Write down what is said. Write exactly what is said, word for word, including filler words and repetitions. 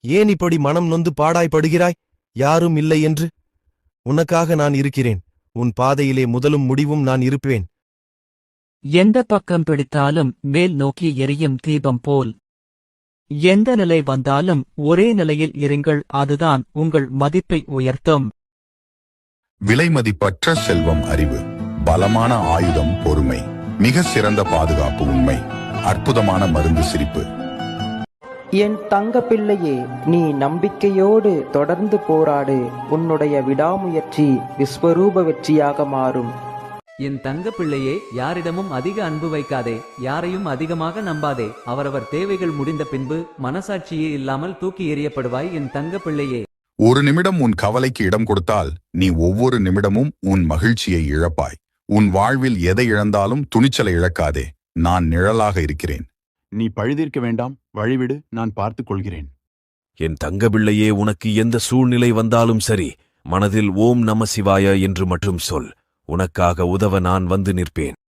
ஏன் இப்படி மனம் நொந்து பாடாய்படுகிறாய்? யாரும் இல்லை என்று. உனக்காக நான் இருக்கிறேன். உன் பாதையிலே முதலும் முடிவும் நான் இருப்பேன். எந்த பக்கம் பிடித்தாலும் மேல் நோக்கி எரியும் தீபம் போல். எந்த நிலை வந்தாலும் ஒரே நிலையில் இருங்கள், அதுதான் உங்கள் மதிப்பை உயர்த்தும். விலைமதிப்பற்ற செல்வம் அறிவு, பலமான ஆயுதம் பொறுமை, மிக சிறந்த பாதுகாப்பு உண்மை, அற்புதமான மருந்து சிரிப்பு. என் தங்க பிள்ளையே, நீ நம்பிக்கையோடு தொடர்ந்து போராடு. உன்னுடைய விடாமுயற்சி விஸ்வரூப வெற்றியாக மாறும். என் தங்க பிள்ளையே, யாரிடமும் அதிக அன்பு வைக்காதே, யாரையும் அதிகமாக நம்பாதே. அவரவர் தேவைகள் முடிந்த பின்பு மனசாட்சியே இல்லாமல் தூக்கி எறியப்படுவாய் என் தங்க பிள்ளையே. ஒரு நிமிடம் உன் கவலைக்கு இடம் கொடுத்தால் நீ ஒவ்வொரு நிமிடமும் உன் மகிழ்ச்சியை இழப்பாய். உன் வாழ்வில் எதை இழந்தாலும் துணிச்சலை இழக்காதே. நான் நிழலாக இருக்கிறேன். நீ பழுதீர்க்க வேண்டாம், வழிவிடு, நான் பார்த்துக் கொள்கிறேன். என் தங்கபிள்ளையே, உனக்கு எந்த சூழ்நிலை வந்தாலும் சரி, மனதில் ஓம் நம சிவாய என்று மட்டும் சொல். உனக்காக உதவ நான் வந்து நிற்பேன்.